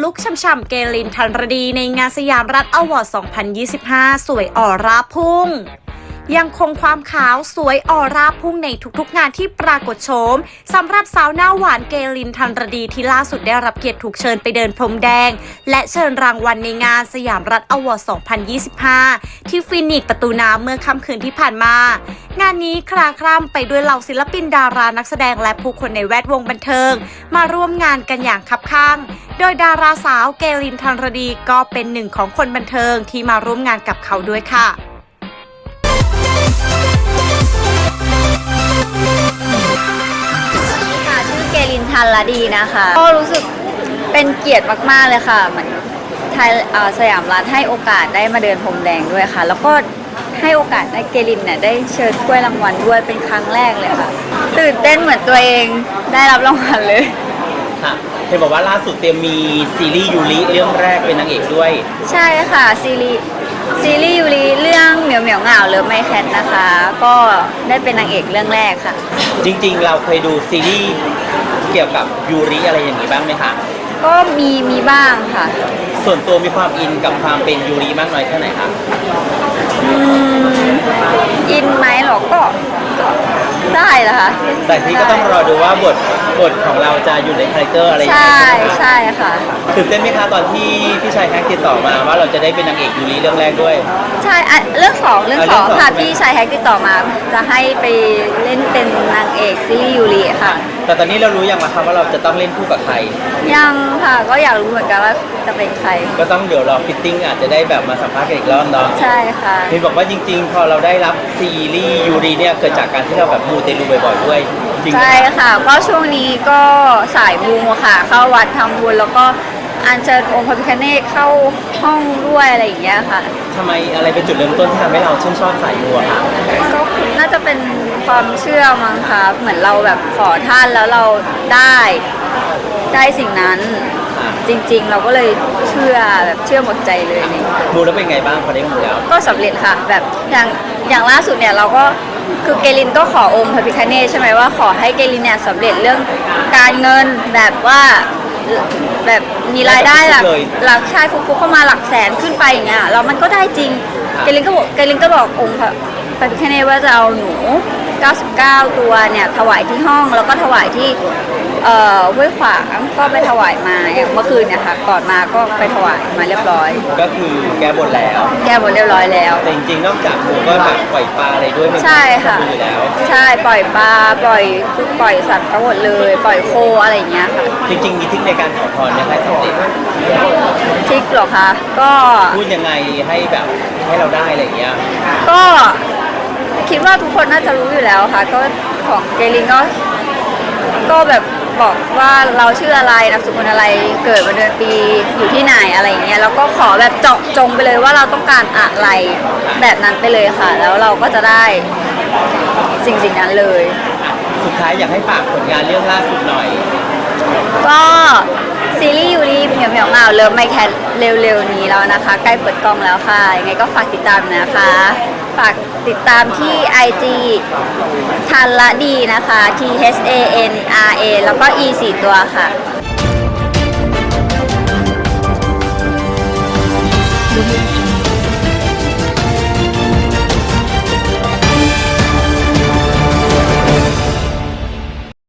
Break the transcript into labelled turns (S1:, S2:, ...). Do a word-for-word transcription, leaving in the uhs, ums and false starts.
S1: ลุคช่ำๆเกลิน ทันรดีในงานสยามรัฐอวอร์ด สองพันยี่สิบห้า สวยออร่าพุ่งยังคงความขาวสวยออร่าพุ่งในทุกๆงานที่ปรากฏโฉมสำหรับสาวหน้าหวานเกลิน ทันรดีที่ล่าสุดได้รับเกียรติถูกเชิญไปเดินพรมแดงและเชิญรางวัลในงานสยามรัฐอวอร์ด สองพันยี่สิบห้า ที่ฟินิกซ์ประตูน้ำเมื่อค่ำคืนที่ผ่านมางานนี้คลาคล่ำไปด้วยเหล่าศิลปินดารานักแสดงและผู้คนในแวดวงบันเทิงมาร่วมงานกันอย่างคับคั่งโดยดาราสาวเกลิน ทันรดีก็เป็นหนึ่งของคนบันเทิงที่มาร่วมงานกับเขาด้วยค่ะ
S2: ชื่อเกลิน ทันรดีนะคะก็รู้สึกเป็นเกียรติมากๆเลยค่ะเหมือนไทยสยามรัฐให้โอกาสได้มาเดินพรมแดงด้วยค่ะแล้วก็ให้โอกาสได้เกลินเนี่ยได้เชิญถ้วยรางวัลด้วยเป็นครั้งแรกเลยค่ะตื่นเต้นเหมือนตัวเองได้รับรางวัลเลย
S3: ค่ะเห็นบอกว่าล่าสุดเตรียมมีซีรีส์ยูริเรื่องแรกเป็นนางเอกด้วย
S2: ใช่ค่ะซีรีส์ซีรีส์ยูริเรื่องเหมียวเหมียวเหงาเลิฟไมแคทนะคะก็ได้เป็นนางเอกเรื่องแรกค่ะ
S3: จริงๆเราเคยดูซีรีส์เกี่ยวกับยูริอะไรอย่างนี้บ้างไหมคะ
S2: ก็มีมีบ้างค่ะ
S3: ส่วนตัวมีความอินกับความเป็นยูริมากน้อยแค่ไหนคะ
S2: อืมอินไหมหรอก็ได้ละค่ะ
S3: แต่ที่ก็ต้องรอดูว่าบทบทของเราจะอยู่ในคาแรคเตอร์อะไรอย่าง
S2: เงี้ยใช่ใช่ค่ะ
S3: ตื่นเต้นไหมคะตอนที่พี่ชายแฮกติดต่อมาว่าเราจะได้เป็นนางเอกยูริเรื่องแรกด้วย
S2: ใช่เรื่องสองเรื่องสองค่ะพี่ชายแฮกติดต่อมาจะให้ไปเล่นเป็นนางเอกซีรีส์ยูริค่ะ
S3: แต่ตอนนี้เรารู้ยังคะว่าเราจะต้องเล่นคู่กับใคร
S2: ยังค่ะก็อยากรู้เหมือนกันว่าจะเป็นใคร
S3: ก็ต้องเดี๋ยวรอฟิตติ้งอาจจะได้แบบมาสัมภาษณ์กันอีกรอบเนาะ
S2: ใช่ค่ะ
S3: เห็นบอกว่าจริงๆพอเราได้รับซีรีส์ยูริเนี่ยเกิดจากการที่เราแบบมูเตลูบ่อยๆด้วย
S2: ใช่ค่ะก็ช่วงนี้ก็สายมูค่ะเข้าวัดทำบุญแล้วก็อัญเชิญองค์พระพิฆเนศเข้าห้องด้วยอะไรอย่างเงี้ยค่ะ
S3: ทำไมอะไรเป็นจุดเริ่มต้นที่ทำให้เราชื่นชอบสายมูค่ะ
S2: ก็น่าจะเป็นความเชื่อมั้งคะเหมือนเราแบบขอท่านแล้วเราได้ได้สิ่งนั้นจริงๆเราก็เลยเชื่อแบบเชื่อหมดใจเลย
S3: มูแล้วเป็นไงบ้างพอได้มูแล้ว
S2: ก็สำเร็จค่ะแบบอย่างอย่างล่าสุดเนี่ยเราก็คือเกลินก็ขอองค์พระพิฆเนศใช่ไหมว่าขอให้เกลินเนี่ยสำเร็จเรื่องการเงินแบบว่าแบบมีรายได้หลักหลักชายฟุกๆเข้ามาหลักแสนขึ้นไปอย่างเงี้ยแล้วมันก็ได้จริงเกลินก็บอกเกลินก็บอกองค์พระพิฆเนศว่าจะเอาหนูเก้าสิบเก้าตัวเนี่ยถวายที่ห้องแล้วก็ถวายที่เอ่อห้วยขวางก็ไปถวายมาอย่างเมื่อคืนเนี่ยค่ะก่อนมาก็ไปถวายมาเรียบร้อย
S3: ก็คือแก้บนแล้ว
S2: แก้บนเรียบร้อยแล้ว
S3: แต่จริงๆนอกจากหมูก็แบบปล่อยปลาอะไรด้วย
S2: ใช่ค่ะใช่ปล่อยปลาปล่อยคือปล่อยสัตว์ทั้งหมดเลยปล่อยโคอะไรอย่างเงี้ยค่ะ
S3: จริงๆมีทริคในการขอพรนะคะสำเร็จ
S2: ทริคหรอคะก็
S3: พูดยังไงให้แบบให้เราได้อะไรอย่างเงี้ย
S2: ก็คิดว่าทุกคนน่าจะรู้อยู่แล้วค่ะก็ของเกลินก็ก็แบบบอกว่าเราชื่ออะไรนามสกุลอะไรเกิดวันเดือนปีอยู่ที่ไหนอะไรเงี้ยแล้วก็ขอแบบเจาะจงไปเลยว่าเราต้องการอะไรแบบนั้นไปเลยค่ะแล้วเราก็จะได้สิ่งสิ่งนั้นเลย
S3: สุดท้ายอยากให้ฝากผลงานเรื่องล่าสุดหน่อย
S2: ก็ซีรีส์ยูริเหมียวเหมียวเหงาเลิฟไมแคทเร็วๆนี้แล้วนะคะใกล้เปิดกล้องแล้วค่ะยังไงก็ฝากติดตามนะคะฝากติดตามที่ ไอ จี ทันรดีนะคะ T H A N R A แล้วก็ E สี่ตัวค่ะ